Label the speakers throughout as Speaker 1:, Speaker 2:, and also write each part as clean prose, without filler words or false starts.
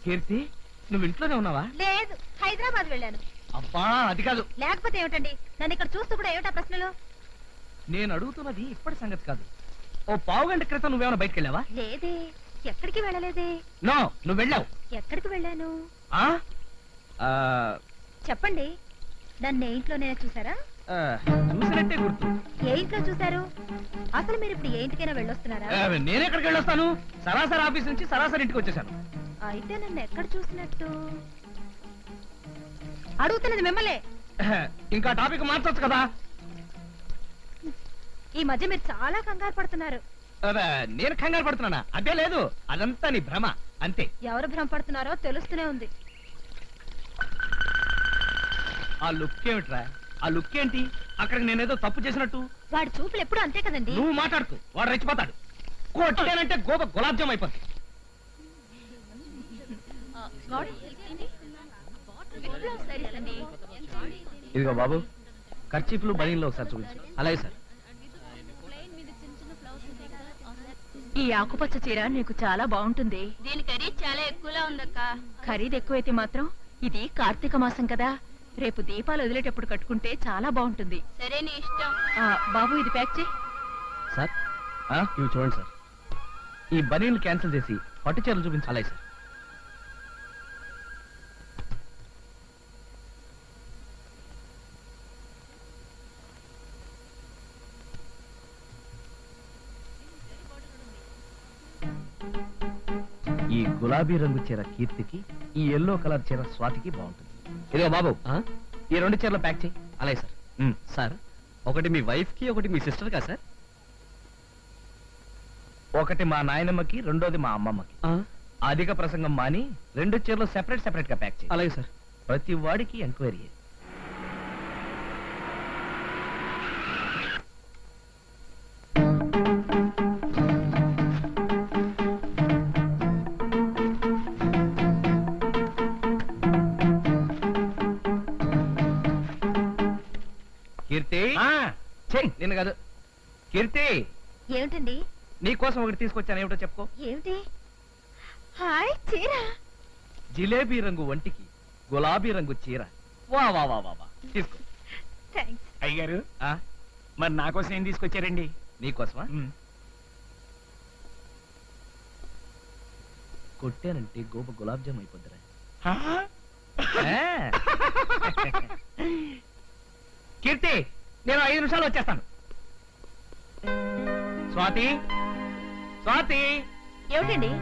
Speaker 1: కీర్తి నువ్వు ఇంట్లోనే ఉన్నావా?
Speaker 2: లేదు, హైదరాబాద్ వెళ్ళాను.
Speaker 1: అబ్బా అది కాదు.
Speaker 2: లేకపోతే ఏమిటండి, నన్ను ఇక్కడ చూస్తూ కూడా ఏమిటా ప్రశ్నలు?
Speaker 1: నేను అడుగుతున్నది ఇప్పటి సంగతి కాదు. ఓ పావు గంట క్రితం నువ్వేమైనా బయటకు వెళ్ళావా?
Speaker 2: లేదే, ఎక్కడికి వెళ్ళలేదే.
Speaker 1: నో, నువ్వు వెళ్ళావు.
Speaker 2: ఎక్కడికి వెళ్ళాను చెప్పండి. నన్ను ఏ ఇంట్లోనే చూసారా?
Speaker 1: చూసినట్టే గుర్తు.
Speaker 2: ఏ ఇంట్లో చూసారు? అసలు మీరు ఇప్పుడు ఏ ఇంటికైనా వెళ్ళొస్తున్నారా?
Speaker 1: నేను ఎక్కడికి వెళ్ళొస్తాను? సరాసరి ఆఫీస్ నుంచి సరాసరి ఇంటికి వచ్చేసాను.
Speaker 2: అయితే నన్ను ఎక్కడ చూసినట్టు? అడుగుతున్నది మిమ్మల్ని.
Speaker 1: ఇంకా టాపిక్ మార్చొచ్చు కదా.
Speaker 2: ఈ మధ్య మీరు చాలా కంగారు పడుతున్నారు.
Speaker 1: నేను కంగారు పడుతున్నానా? అదే లేదు, అదంతా నీ భ్రమ అంతే.
Speaker 2: ఎవరు భ్రమ పడుతున్నారో తెలుస్తూనే ఉంది.
Speaker 1: ఆ లుక్ ఏమిట్రా? ఆ లుక్ ఏంటి? అక్కడికి నేనేదో తప్పు చేసినట్టు.
Speaker 2: వాడి చూపులు ఎప్పుడు అంతే కదండి.
Speaker 1: నువ్వు మాట్లాడుతూ వాడు రెచ్చిపోతాడు. కొట్టానంటే గోప గులాబ్ జామ్ అయిపోతుంది. ఇదిగో బాబు, కర్చీఫ్లు బనీన్లో ఒకసారి చూపించు. అలాగే సార్.
Speaker 3: ఈ ఆకుపచ్చ చీర నీకు చాలా బాగుంటుంది.
Speaker 4: దీని ఖరీదు చాలా ఎక్కువలా ఉందక్క.
Speaker 3: ఖరీదు ఎక్కువైతే మాత్రం ఇది కార్తీక మాసం కదా, రేపు దీపాలు వదిలేటప్పుడు కట్టుకుంటే చాలా బాగుంటుంది.
Speaker 4: సరే నీ ఇష్టం.
Speaker 3: బాబు ఇది ప్యాక్ చేయి.
Speaker 1: సార్ ఇవి చూడండి సార్. ఈ బనీన్లు క్యాన్సిల్ చేసి పట్టు చీరలు చూపించు. అలాగే సార్. ఈ గులాబీ రంగు చీర కీర్తికి, ఈ ఎల్లో కలర్ చీర స్వాతికి బాగుంటుంది. ఇదిగో బాబు, ఈ రెండు చీరలు ప్యాక్ చేయి. అలాగే సార్.
Speaker 5: సార్, ఒకటి మీ వైఫ్ కి, ఒకటి మీ సిస్టర్ కా సార్?
Speaker 1: ఒకటి మా నాయనమ్మకి, రెండోది మా అమ్మమ్మకి. అధిక ప్రసంగం మాని రెండు చీరలు సెపరేట్ సెపరేట్ గా ప్యాక్ చేయి.
Speaker 5: అలాగే సార్.
Speaker 1: ప్రతి వాడికి ఎంక్వైరీ. కీర్తి, నిన్ను కాదు. కీర్తి,
Speaker 2: ఏమిటండి?
Speaker 1: నీకోసం ఒకటి తీసుకొచ్చాను. ఏమిటో చెప్పుకో.
Speaker 2: ఏమిటి? హాయ్, చీర.
Speaker 1: జిలేబీ రంగు వంటికి గులాబీ రంగు చీర. వా వా వా వా వా, తీసుకో.
Speaker 2: థాంక్స్.
Speaker 6: అయ్యగారు, మరి నా కోసం ఏం తీసుకొచ్చారండి?
Speaker 1: నీకోసమా? కొట్టానంటే గోప గులాబ్ జామ్ అయిపోద్దిరా. కీర్తి, నేను 5 నిమిషాలు వచ్చేస్తాను. స్వాతి, స్వాతి.
Speaker 2: ఏమిటండి?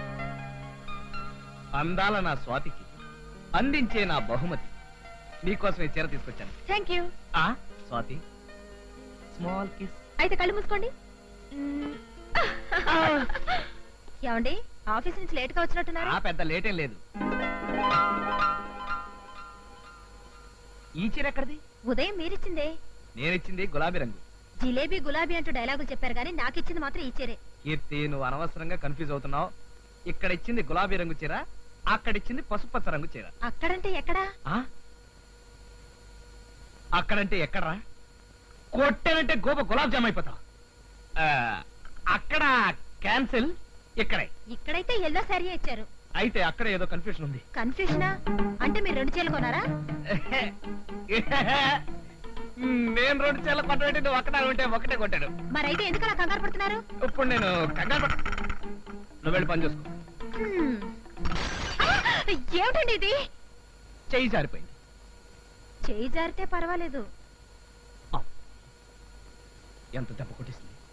Speaker 1: అందాల నా స్వాతికి అందించే నా బహుమతి. నీకోసం ఈ చీర తీసుకొచ్చాను.
Speaker 2: Thank you.
Speaker 1: Swathi, small kiss.
Speaker 2: అయితే కళ్ళు మూసుకోండి. ఏమండి, ఆఫీస్ నుంచి లేట్ గా వచ్చినట్టున్నారు?
Speaker 1: పెద్ద లేటేం లేదు. ఈ చీర ఎక్కడిది?
Speaker 2: ఉదయం మీరిచ్చిందే.
Speaker 1: నేనిచ్చింది గులాబీ రంగు.
Speaker 2: జిలేబీ గులాబీ అంటూ డైలాగులు చెప్పారు కానీ నాకు ఇచ్చింది మాత్రం ఈ చీరే.
Speaker 1: కీర్తి, నువ్వు అనవసరంగా కన్ఫ్యూజ్ అవుతున్నావు. ఇక్కడ ఇచ్చింది గులాబీ రంగు చీర, అక్కడిచ్చింది పసుపచ్చ రంగు చీర.
Speaker 2: అక్కడంటే ఎక్కడా?
Speaker 1: అక్కడంటే ఎక్కడరా? కొట్టానంటే గోప గులాబ్ జామ్ అయిపోతావు. అక్కడ క్యాన్సిల్, ఇక్కడే.
Speaker 2: ఇక్కడైతే ఎల్లో శారీ ఇచ్చారు.
Speaker 1: అయితే అక్కడ ఏదో కన్ఫ్యూషన్ ఉంది.
Speaker 2: కన్ఫ్యూషనా? అంటే మీరు 2 చీరలు కొనారా?
Speaker 1: నేను 2 చీరలు కొట్టబెట్టి నువ్వు అక్కడ ఉంటే ఒకటే కొట్టాడు.
Speaker 2: మరైతే ఎందుకలా కంగారు పడుతున్నారు?
Speaker 1: ఇప్పుడు నేను కంగారు నువ్వు వెళ్ళి పని చూసుకో.
Speaker 2: ఏమిటండి ఇది?
Speaker 1: చెయ్యి జారిపోయింది.
Speaker 2: చెయ్యి జారితే పర్వాలేదు.
Speaker 1: ఎంత దెబ్బ కొట్టిస్తుంది.